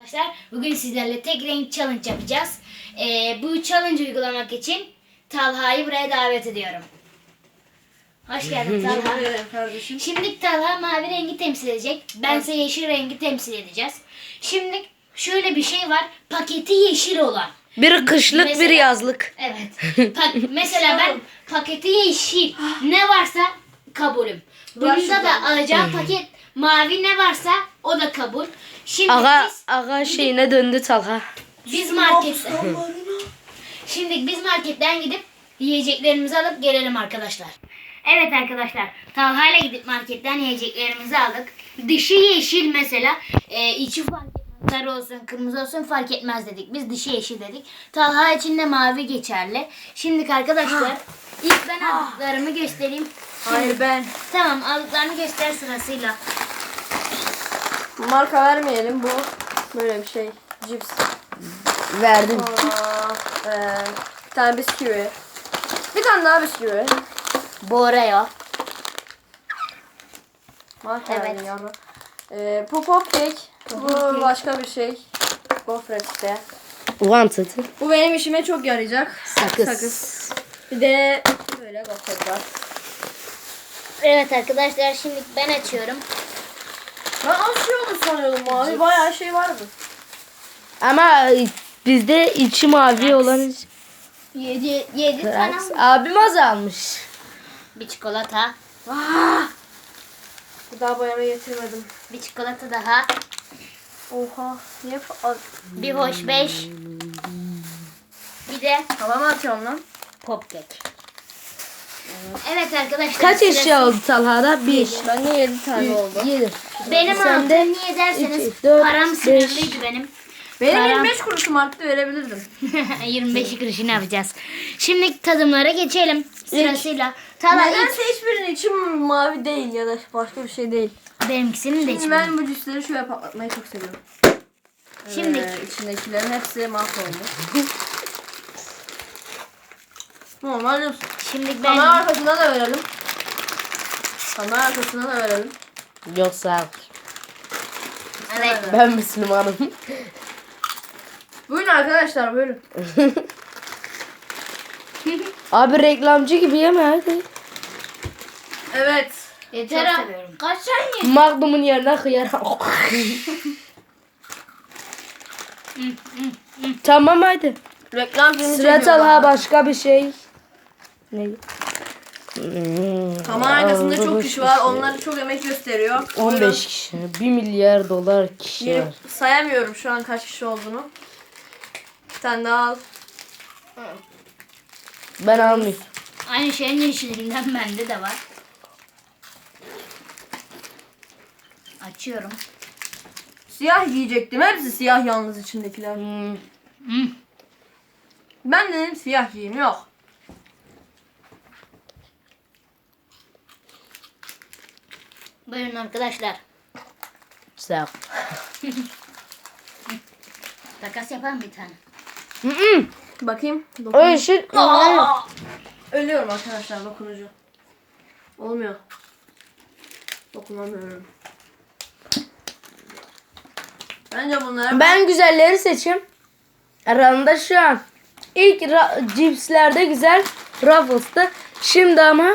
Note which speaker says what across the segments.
Speaker 1: Arkadaşlar bugün sizlerle tek renk challenge yapacağız. Bu challenge uygulamak için Talha'yı buraya davet ediyorum. Hoş geldin Talha.
Speaker 2: Kardeşim.
Speaker 1: Şimdi Talha mavi rengi temsil edecek. Bense yeşil rengi temsil edeceğiz. Şimdi şöyle bir şey var. Paketi yeşil olan.
Speaker 3: Bir kışlık bir
Speaker 1: Mesela-
Speaker 3: yazlık.
Speaker 1: Evet. Mesela ben paketi yeşil ne varsa kabulüm. Bunda da alacağım paket mavi ne varsa o da kabul. Şimdi
Speaker 3: Aga şeyine döndü Talha.
Speaker 1: biz marketten gidip yiyeceklerimizi alıp gelelim arkadaşlar. Evet arkadaşlar, Talha ile gidip marketten yiyeceklerimizi aldık. Dışı yeşil mesela, içi fark etmez. Sarı olsun, kırmızı olsun fark etmez dedik. Biz dışı yeşil dedik. Talha için de mavi geçerli. Şimdi arkadaşlar, ilk ben aldıklarımı göstereyim.
Speaker 2: Hayır ben.
Speaker 1: Tamam, aldıklarını göster sırasıyla.
Speaker 2: Marka vermeyelim, bu böyle bir şey. Cips.
Speaker 3: Verdim.
Speaker 2: Bir tane bisküvi. Bir tane daha bisküvi.
Speaker 1: Boreo.
Speaker 2: Marka
Speaker 1: Evet.
Speaker 2: verdim yavrum. Bu popcake. Bu başka bir şey. Gofret işte.
Speaker 3: Wanted.
Speaker 2: Bu benim işime çok yarayacak.
Speaker 3: Sakız.
Speaker 2: Bir de böyle gofret var.
Speaker 1: Evet arkadaşlar, şimdi ben açıyorum.
Speaker 2: Ben az şey olur sanıyordum abi. Bayağı şey vardı.
Speaker 3: Ama bizde içi mavi olan
Speaker 1: 7 tane
Speaker 3: abim azalmış.
Speaker 1: bir çikolata.
Speaker 2: Bir daha boyama getirmedim.
Speaker 1: Bir çikolata daha.
Speaker 2: Oha. Niye
Speaker 1: Bir hoş 5. Bir de
Speaker 2: Havama atıyorum lan.
Speaker 1: popkek. Evet arkadaşlar.
Speaker 3: Kaç
Speaker 1: sırası-
Speaker 3: eşya oldu Talha'da? 1.
Speaker 2: Bende 7 tane oldu.
Speaker 3: 7.
Speaker 1: Benim
Speaker 3: Sende
Speaker 1: altım niye derseniz
Speaker 3: 2, 4,
Speaker 1: param
Speaker 3: 5.
Speaker 1: sınırlıydı benim.
Speaker 2: Benim
Speaker 1: Param-
Speaker 2: 25 kuruşum arttı, verebilirdim.
Speaker 1: 25 kuruşunu yapacağız. Şimdi tadımlara geçelim sırasıyla. Talha ilk
Speaker 2: Nedense hiçbirinin içim mavi değil ya da başka bir şey değil.
Speaker 1: benimkisinin de
Speaker 2: Şimdi
Speaker 1: içinde.
Speaker 2: ben bu cüsleri şöyle patlatmayı çok seviyorum.
Speaker 1: Şimdi
Speaker 2: içindekilerin hepsi mahvoldu. Normal diyorsun.
Speaker 1: Şimdi
Speaker 2: Kamera
Speaker 1: ben
Speaker 2: arkasına da verelim. Kamera arkasına da verelim.
Speaker 3: Yoksa
Speaker 1: evet.
Speaker 3: ben Müslümanım.
Speaker 2: Buyurun arkadaşlar, buyurun.
Speaker 3: Abi reklamcı gibi yeme hadi.
Speaker 2: Evet.
Speaker 1: Yeter ha. Kaç tane?
Speaker 3: Magnum'un yerine hıyar. Tamam hadi.
Speaker 2: Reklam filmi
Speaker 3: Sıra
Speaker 2: çekiyorum.
Speaker 3: Talha başka bir şey. Ne?
Speaker 2: Kamera arkasında çok kişi var. Onlar çok emek gösteriyor.
Speaker 3: 15 kişi. 1 milyar dolar kişi
Speaker 2: Buyurun.
Speaker 3: var.
Speaker 2: Sayamıyorum şu an kaç kişi olduğunu. Bir tane daha al.
Speaker 3: Ben almayayım.
Speaker 1: Aynı şeyin yeşilinden bende de var. Açıyorum.
Speaker 2: Siyah giyecektim. Hepsi siyah yalnız içindekiler. Ben dedim siyah giyeyim. Yok.
Speaker 1: Buyurun arkadaşlar.
Speaker 3: Sağ ol.
Speaker 1: Takas yapalım bir tane.
Speaker 2: Bakayım.
Speaker 3: O yeşil.
Speaker 2: Ölüyorum arkadaşlar dokunucu. Olmuyor. Dokunamıyorum. Bence bunlara
Speaker 3: Ben güzelleri seçeyim. Aralarında şu an. İlk cipslerde güzel. Ruffles'ta. Şimdi ama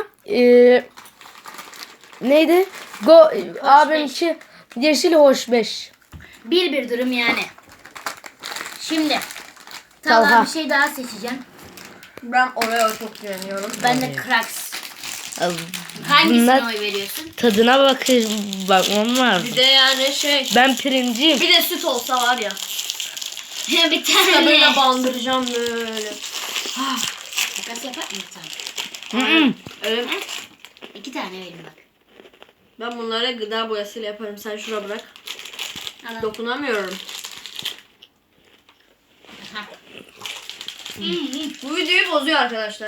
Speaker 3: neydi? Abimki yeşil hoş 5.
Speaker 1: Bir durum yani. Şimdi
Speaker 3: Talha.
Speaker 1: Talha bir şey daha seçeceğim.
Speaker 2: ben Oreo çok güveniyorum.
Speaker 1: Ben de Cracks. Hangisine
Speaker 3: Bunlar
Speaker 1: oy veriyorsun?
Speaker 3: tadına bakmam lazım.
Speaker 2: Bir de yani şey.
Speaker 3: Ben pirinciyim.
Speaker 2: Bir de süt olsa var ya.
Speaker 1: Bir
Speaker 2: Böyle
Speaker 1: tane.
Speaker 2: bandıracağım böyle.
Speaker 1: Takas yapar mısın?
Speaker 2: Evet.
Speaker 1: 2 tane vereyim bak.
Speaker 2: Ben bunlara gıda boyasıyla yaparım. Sen şura bırak.
Speaker 1: Al.
Speaker 2: Dokunamıyorum.
Speaker 1: Aha.
Speaker 2: Bu videoyu bozuyor arkadaşlar.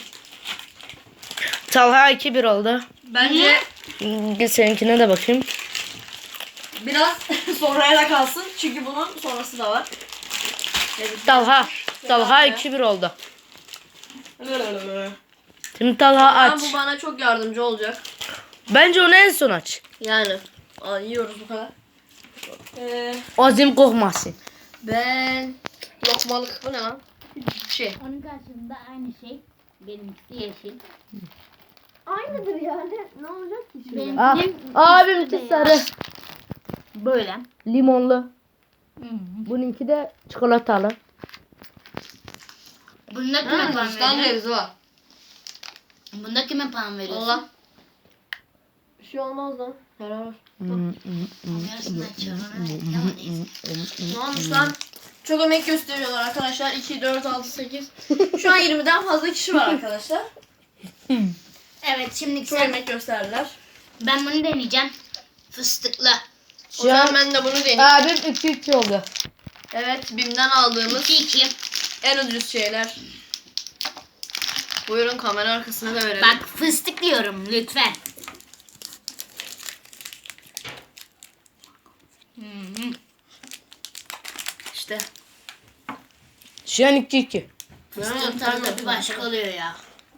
Speaker 3: Talha 2-1 oldu.
Speaker 2: Bence
Speaker 3: Bir seninkine de bakayım.
Speaker 2: biraz sonraya da kalsın. Çünkü bunun sonrası da var.
Speaker 3: Talha 2-1 oldu. Şimdi Talha
Speaker 2: Ama
Speaker 3: aç.
Speaker 2: bu bana çok yardımcı olacak.
Speaker 3: Bence onu en son aç.
Speaker 2: Yani. Yiyoruz bu kadar.
Speaker 3: Azim kokmasın.
Speaker 2: Ben lokmalık bu ne lan? Şey.
Speaker 1: Onun karşısında aynı şey. Benimkisi yeşil.
Speaker 2: Aynıdır yani. Ne olacak ki şimdi?
Speaker 3: Ah, abimki sarı.
Speaker 1: Böyle.
Speaker 3: Limonlu.
Speaker 1: Hı.
Speaker 3: Bununki de çikolatalı.
Speaker 1: Bunda kime puan
Speaker 2: Hindistan
Speaker 1: veriyorsun?
Speaker 2: cevizi var.
Speaker 1: Bunda kime puan veriyorsun?
Speaker 2: Allah. Bir şey olmaz lan. Helal olsun.
Speaker 1: Yarısından çıkarım. Evet, ama neyse.
Speaker 2: Ne olmuş lan? Çok emek gösteriyorlar arkadaşlar. 2, 4, 6, 8. Şu an 20'den fazla kişi var arkadaşlar.
Speaker 1: Evet şimdi
Speaker 2: Çok
Speaker 1: sen,
Speaker 2: emek gösterdiler.
Speaker 1: ben bunu deneyeceğim. Fıstıklı.
Speaker 2: O zaman ben de bunu deneyeyim.
Speaker 3: Abim 2-3 oldu.
Speaker 2: Evet, BİM'den aldığımız
Speaker 1: 2-2.
Speaker 2: en ucuz şeyler. Buyurun kamera arkasına da verelim.
Speaker 1: Bak fıstık diyorum lütfen.
Speaker 2: İşte.
Speaker 3: Şu an 2-2.
Speaker 1: Fıstığın tadı bir başka oluyor ya.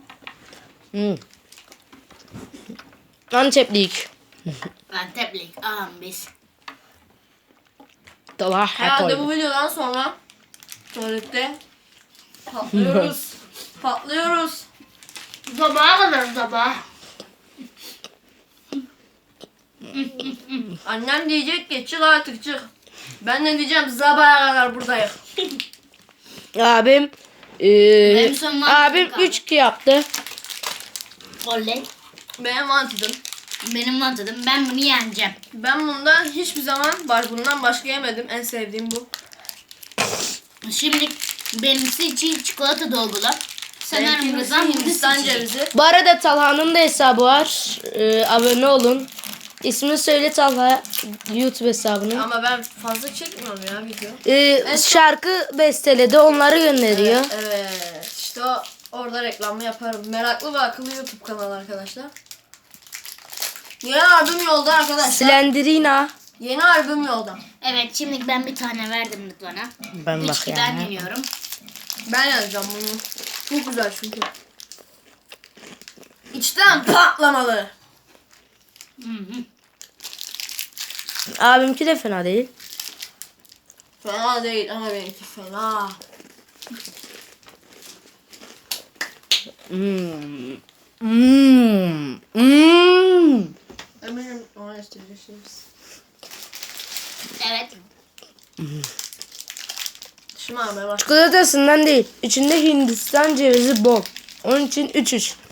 Speaker 3: Anteplik.
Speaker 1: Anteplik ağam biz.
Speaker 3: Talha
Speaker 2: Herhalde bu
Speaker 3: koydu.
Speaker 2: videodan sonra tuvalette patlıyoruz. Patlıyoruz.
Speaker 1: Sabaha kadar sabah.
Speaker 2: Annem diyecek ki çık artık çık. Ben de diyeceğim sabaha kadar buradayım.
Speaker 3: Abim
Speaker 1: Benim son mantığım
Speaker 3: abim
Speaker 1: kaldı.
Speaker 3: 3-2 yaptı.
Speaker 1: Oley.
Speaker 2: Benim mantıdım.
Speaker 1: Benim mantıdım. Ben bunu yeneceğim.
Speaker 2: Ben bundan hiçbir zaman bundan başka yemedim. En sevdiğim bu.
Speaker 1: Şimdi benimsi için çikolata dolgulu. Sanırım
Speaker 2: Benimkisi
Speaker 1: Rıza'm
Speaker 2: Hindistan
Speaker 1: cevizi.
Speaker 2: cevizi.
Speaker 3: Bu arada Talha'nın da hesabı var. Abone olun. İsmini söyle Talha. YouTube hesabını.
Speaker 2: Ama ben fazla çekmiyorum ya video.
Speaker 3: Şarkı besteledi. Onları gönderiyor.
Speaker 2: Evet. İşte orada reklamı yaparım. Meraklı ve akıllı YouTube kanalı arkadaşlar. Yeni albüm yolda arkadaşlar.
Speaker 3: Slenderina.
Speaker 2: Yeni albüm yolda.
Speaker 1: Evet şimdi ben bir tane verdim Rıdvan'a.
Speaker 3: Ben bak
Speaker 1: 3-2'den
Speaker 3: yani.
Speaker 1: deniyorum.
Speaker 2: Ben yazacağım bunu. Çok güzel çünkü. İçten patlamalı.
Speaker 1: Hı hı.
Speaker 3: Abimki de fena değil.
Speaker 2: Fena değil ama benimki fena. Eminim ona isteyeceksiniz.
Speaker 1: Evet.
Speaker 2: Şımarmaya bak.
Speaker 3: Çikolatasından değil. İçinde Hindistan cevizi bol. Onun için 3-3.